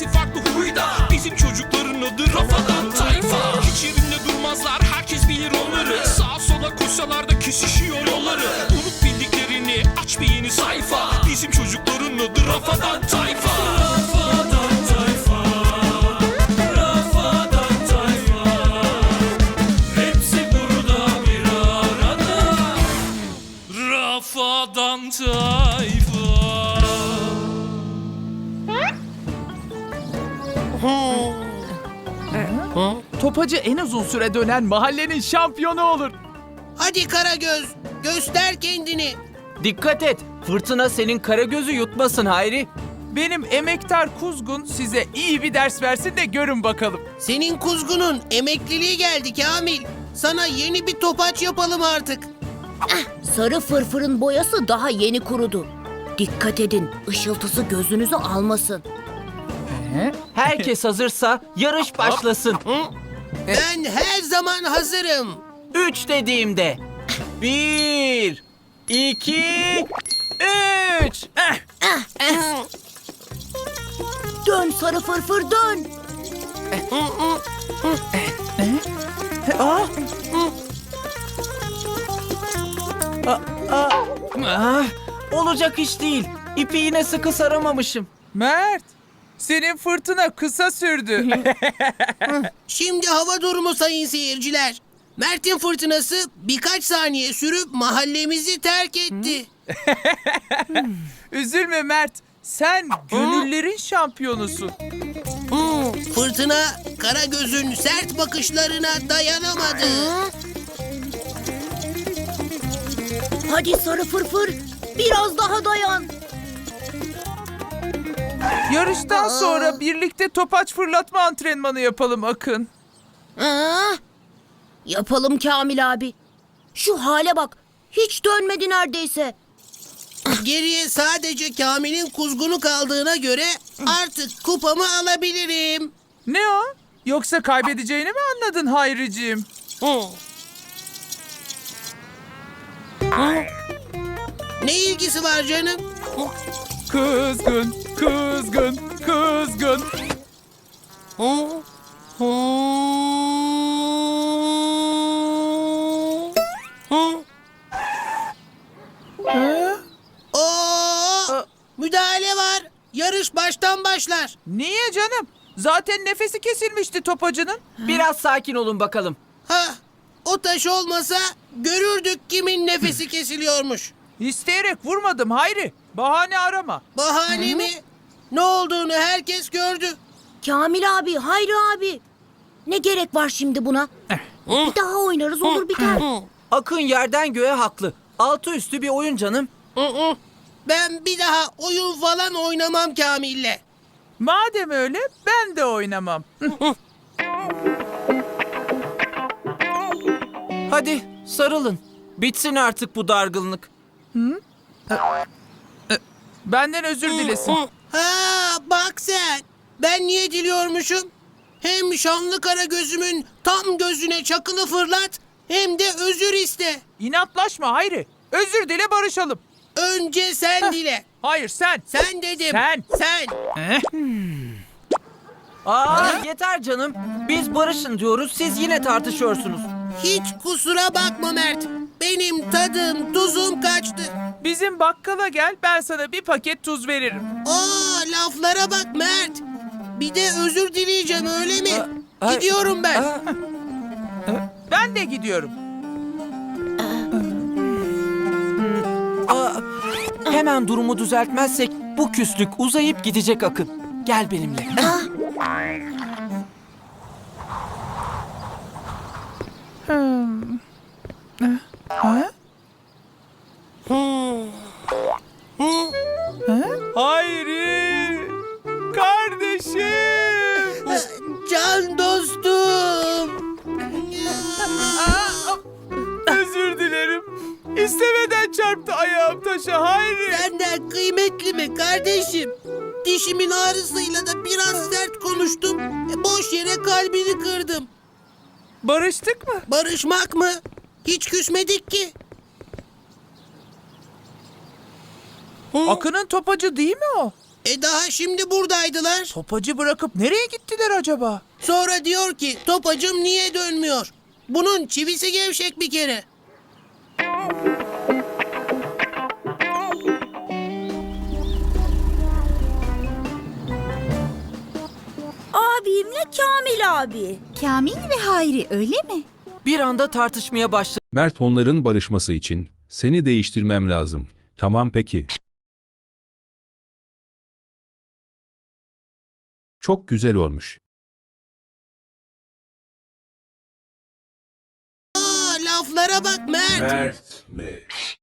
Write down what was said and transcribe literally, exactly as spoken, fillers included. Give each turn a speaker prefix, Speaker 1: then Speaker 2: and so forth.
Speaker 1: hepsi farklı huyda. Bizim çocukların adı Rafadan Tayfa. Hiç yerinde durmazlar, herkes bilir onları. Sağa sola koşsalar da kesişiyor yolları. Unut bildiklerini, aç bir yeni sayfa. Bizim çocukların adı Rafadan Tayfa. Rafadan Tayfa, Rafadan Tayfa. Hepsi burada bir arada. Rafadan Tayfa.
Speaker 2: Topacı en uzun süre dönen mahallenin şampiyonu olur.
Speaker 3: Hadi Karagöz, göster kendini.
Speaker 4: Dikkat et, fırtına senin Karagöz'ü yutmasın Hayri.
Speaker 2: Benim emektar kuzgun size iyi bir ders versin de görün bakalım.
Speaker 3: Senin kuzgunun emekliliği geldi Kamil. Sana yeni bir topaç yapalım artık.
Speaker 5: Sarı fırfırın boyası daha yeni kurudu. Dikkat edin, ışıltısı gözünüzü almasın.
Speaker 4: Herkes hazırsa yarış başlasın.
Speaker 3: Ben her zaman hazırım.
Speaker 4: Üç dediğimde. Bir, iki, üç.
Speaker 5: Dön sarı fırfır dön.
Speaker 4: Ah, olacak iş değil. İpi yine sıkı saramamışım.
Speaker 2: Mert, senin fırtına kısa sürdü.
Speaker 3: Şimdi hava durumu sayın seyirciler. Mert'in fırtınası birkaç saniye sürüp mahallemizi terk etti.
Speaker 2: Üzülme Mert, sen gönüllerin şampiyonusun.
Speaker 3: Hmm, Fırtına Karagöz'ün sert bakışlarına dayanamadı.
Speaker 5: Hadi sarı fırfır, biraz daha dayan.
Speaker 2: Yarıştan sonra birlikte topaç fırlatma antrenmanı yapalım Akın.
Speaker 5: Aa, yapalım Kamil abi. Şu hale bak, hiç dönmedi neredeyse.
Speaker 3: Geriye sadece Kamil'in kuzgunu kaldığına göre artık kupamı alabilirim.
Speaker 2: Ne o? Yoksa kaybedeceğini mi anladın Hayriciğim?
Speaker 3: Ne ilgisi var canım?
Speaker 2: Kızgın, kızgın, kızgın.
Speaker 3: Oo, müdahale var. Yarış baştan başlar.
Speaker 2: Niye canım? Zaten nefesi kesilmişti topacının.
Speaker 4: Biraz sakin olun bakalım.
Speaker 3: Ha, o taş olmasa görürdük kimin nefesi kesiliyormuş.
Speaker 2: İsteyerek vurmadım Hayri. Bahane arama.
Speaker 3: Bahane mi? Ne olduğunu herkes gördü.
Speaker 5: Kamil abi, Hayri abi. Ne gerek var şimdi buna? Bir daha oynarız olur biter.
Speaker 4: Akın yerden göğe haklı. Altı üstü bir oyun canım.
Speaker 3: Ben bir daha oyun falan oynamam Kamil'le.
Speaker 2: Madem öyle ben de oynamam.
Speaker 4: Hadi sarılın. Bitsin artık bu dargınlık.
Speaker 2: Benden özür dilesin.
Speaker 3: Ha, bak sen. Ben niye diliyormuşum? Hem şanlı kara gözümün tam gözüne çakılı fırlat, hem de özür iste.
Speaker 2: İnatlaşma Hayri. Özür dile barışalım.
Speaker 3: Önce sen dile.
Speaker 2: Hayır sen.
Speaker 3: Sen dedim.
Speaker 2: Sen.
Speaker 3: Sen.
Speaker 4: Aa yeter canım. Biz barışın diyoruz, siz yine tartışıyorsunuz.
Speaker 3: Hiç kusura bakma Mert. Benim tadım, tuzum kaçtı.
Speaker 2: Bizim bakkala gel ben sana bir paket tuz veririm.
Speaker 3: Aa, laflara bak Mert. Bir de özür dileyeceğim öyle mi?
Speaker 4: ay-
Speaker 3: Gidiyorum ben.
Speaker 4: Aa,
Speaker 2: Ben de gidiyorum.
Speaker 4: aa, hemen durumu düzeltmezsek bu küslük uzayıp gidecek Akın. Gel benimle.
Speaker 2: Ha? Hayri! Kardeşim!
Speaker 3: Can dostum.
Speaker 2: Aa, özür dilerim. İstemeden çarptı ayağım taşa Hayri.
Speaker 3: Senden kıymetli mi kardeşim? Dişimin ağrısıyla da biraz sert konuştum. E, boş yere kalbini kırdım.
Speaker 2: Barıştık mı?
Speaker 3: Barışmak mı? Hiç küsmedik ki.
Speaker 2: Akın'ın topacı değil mi o?
Speaker 3: E daha şimdi buradaydılar.
Speaker 2: Topacı bırakıp nereye gittiler acaba?
Speaker 3: Sonra diyor ki topacım niye dönmüyor? Bunun çivisi gevşek bir kere.
Speaker 5: Abimle Kamil abi. Kamil ve Hayri öyle mi?
Speaker 4: Bir anda tartışmaya başladı.
Speaker 6: Mert onların barışması için seni değiştirmem lazım. Tamam peki. Çok güzel olmuş.
Speaker 3: Aa, laflara bak Mert.
Speaker 6: Mert mi?